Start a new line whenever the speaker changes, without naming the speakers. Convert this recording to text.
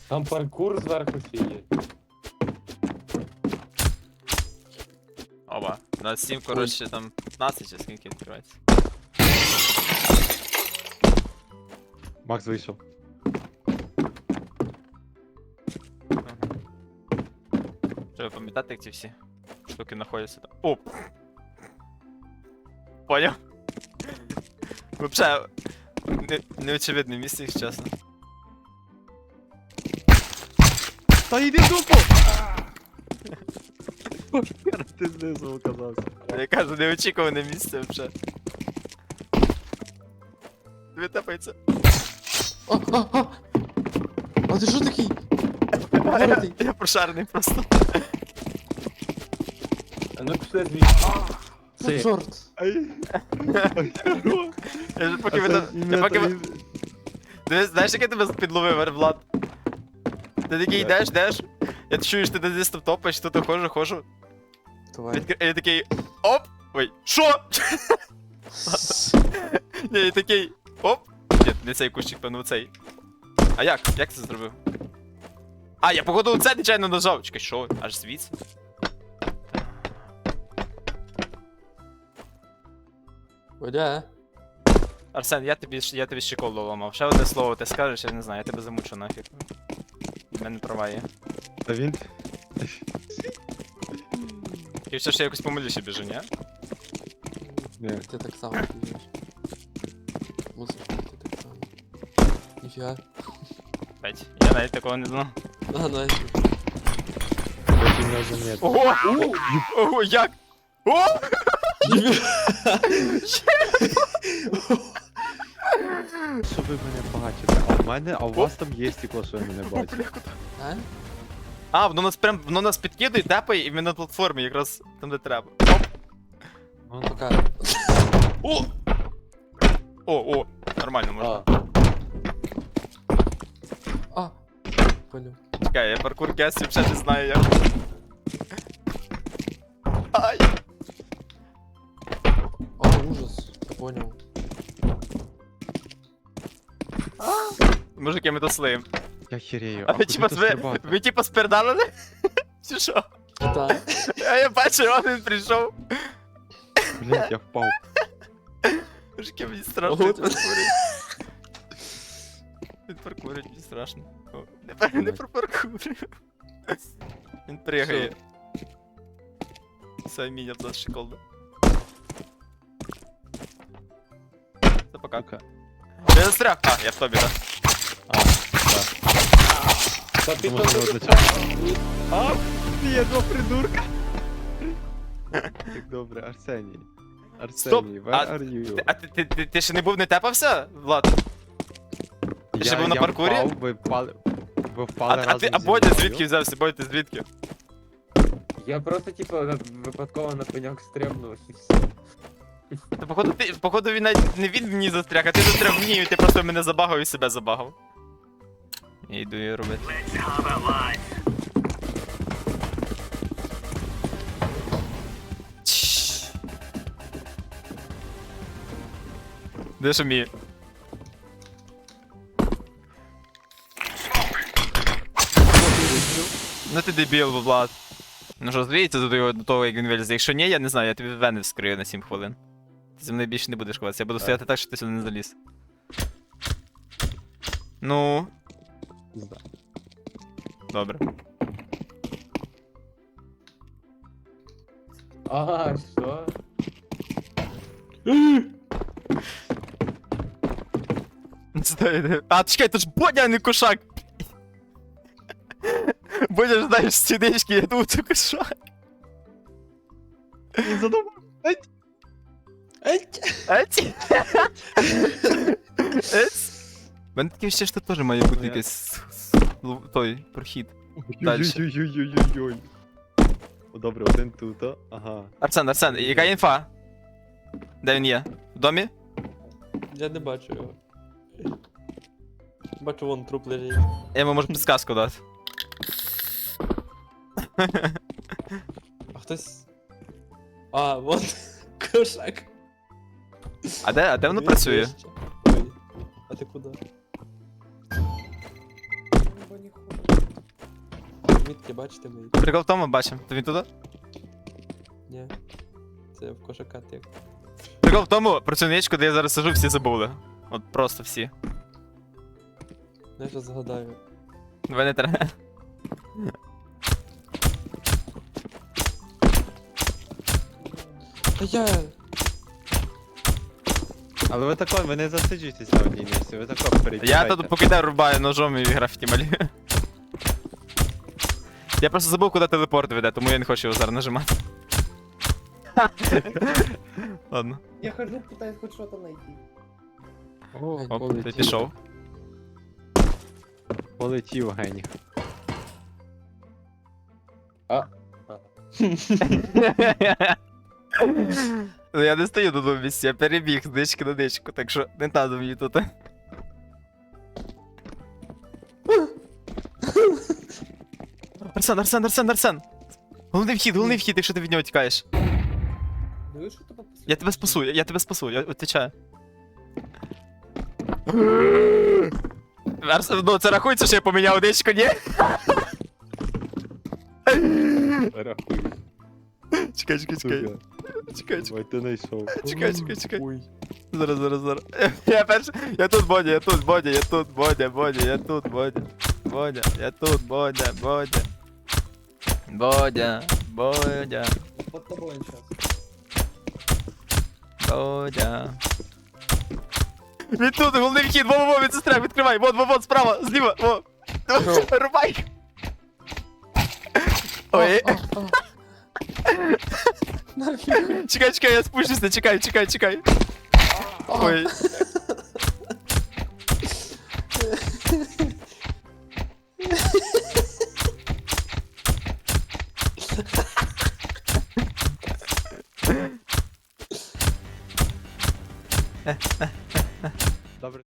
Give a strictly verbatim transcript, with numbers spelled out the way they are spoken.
Там паркур зверху ще є.
Оба. У нас сім, коротше, там п'ятнадцять чи скільки відкривається.
Макс вийшов.
Треба пам'ятати, як ці всі штуки знаходяться там. О! Поняв? Вообще, не, неочевидне місце, якщо чесно.
Та йди дупу! Ти знизу оказався.
Я кажу, неочікуване місце вообще. Тобі тапається.
А, а, а! А ти що такий?
Я,
Гордий.
я прошарений просто.
А ну пішли звідси.
Ну, чорт.
Ай.
Я ж поки ви там... Я поки ви... Дивись, знаєш, як я тебе підловив, Влад? Ти такий йдеш, йдеш, я чую, що ти десь там топаєш, тут хожу, хожу.
Давай.
Відкр... Я такий... Оп! Ой, шо? Ні, я такий... Оп! Ні, не цей кущик, певно, цей. А як? Як ти це зробив? А, я походу це нечайно нажав. Чекай, що? Аж звідси?
Водя.
Арсен, я тобі, я тобі ще коло ламав. Ще одне слово ти скажеш, я не знаю, я тебе замучу нафіг. У мене права є.
Та він...
І все ж я якось помилюся біжу, ні?
Ні.
Ти так само біжиш. Мусиш бути так само. Ніфіга.
П'ять. Я навіть такого не знав.
А, найс.
Очень не заметно.
Ого! Ого, як? О!
Що ви мене бачите? А в мене, а у вас там є стекло, що ви мене бачите.
А?
А, воно нас прям, воно нас підкидує, тепає, і ми на платформі, якраз там, де треба.
Вон пока.
О! О, о, нормально можна.
А,
А. Понял.
Чекай, я паркур кестів ще не знаю як. Ай!
А, ужас. Понял.
Мужики, ми то слиємо.
Я херею.
А
А
ви
куди
типа,
тут
ви,
стрибати?
ви типа спердалили? Чи що?
Так.
А я бачу, він прийшов.
Блять, я впав.
Мужики, мені страшно,
Ого,
він
ти-
паркурить. Він паркурить, мені страшно. О, не, пер- не пропаркурив. Він пригає. Все, міня в нас шиколда. Це пока.
Сука.
Я застряг. А, я в тобі, так.
А, так.
та ти
Думаю,
то
що
не
одночасно. А, є два придурка. Так добре, Арсеній.
Стоп,
Арсеній,
а
where are you?
Ти- А ти, ти, ти, ти ще не був не тепався, Влад? ти ще був на
я
паркурі?
Впав, ви впали, ви
А,
впали
а
разом
ти, а
зі
Бодя
мною.
звідки взявся? Бодя, ти звідки?
Я просто, типу, на- випадково на пеньок стрибнув і все.
Та походу, ти, походу він навіть не він мені застряг, а ти застряг мені, і ти просто мене забагав і себе забагав. Я йду її робити. Чш. Де ж мій? Ну ти дебіл, Влад. Ну що, звідти до його до того, як він вилізе. Якщо ні, я не знаю, я тобі вени вскрию на сім хвилин. Ти зі мною більше не будеш ховатися, я буду стояти так, щоб ти сюди не заліз. Ну,
Пізда.
добре.
А, що?
Стой, а, чекай, то ж Бодя, а не кошак! Бодя ж знаєш стінички, я думав, це кошак.
Він задумав.
Еть!
Ець? Ець? У мене таке ще ж тут теж має бути якийсь лу- той прохід. Дальше.
Ой-ой-ой-ой-ой-ой. О, добре, один тут, а? Ага.
Арсен, Арсен, яка інфа? Де він є? В домі?
Я не бачу його. Бачу, вон труп лежить.
Я йому можу підсказку дати.
А хтось. А, вон. Кошак.
А де, а де воно
Він
працює?
вище. Ой. А ти куди?
Нічого не хочу.
Мітки бачите мої?
Прикол в тому, бачимо. То він туди?
Ні. Це в кошака тик.
Прикол в тому, про цю ничку, де я зараз сижу, всі забули. От просто всі.
Ну, я щас згадаю.
Ви не треба.
Та я...
Але ви тако, ви не засиджуєтесь на одній місці, ви тако
Я
перетікайте.
тут покидаю, рубаю ножом і графіті малюю. Я просто забув, куди телепорт веде, тому я не хочу його зараз нажимати. Ладно.
Я хожу, пытаюсь хоть что-то найти.
О,
Гень,
Оп, ти
полетів.
пішов.
полетів геній.
Ну, я не стою на одному місці, я перебіг з нички на ничку, так що не треба мені тут. Арсен, Арсен, Арсен, Арсен! Головний вхід, головний вхід, якщо ти від нього тікаєш.
Ну и что-то попустил.
Я тебе спасу, я, я тебе спасу, я відвічаю. Арсен, ну це рахується, що я поміняв ничку, ні?
Рахуй,
Чекай, чекай, чекай.
сука.
Чекай, чекай.
Ой, ти знайшов.
Чекай, чекай, чекай.
Ой.
Зараз, зараз, зараз. Я перший. Я тут, Бодя, я тут, Бодя, я тут, Бодя, Бодя, я тут, Бодя. Бодя, я тут, Бодя, Бодя. Бодя, Бодя,
Под тобой он сейчас.
Бодя. Він тут, головний вхід, во, во, во, від сестри, відкривай, вон, вон, вон, справа, зліва, во. Рубай. Ой,
А, а, а. Нафіг.
чекай, чекай, я спущуся, чекай, чекай, чекай. Ой.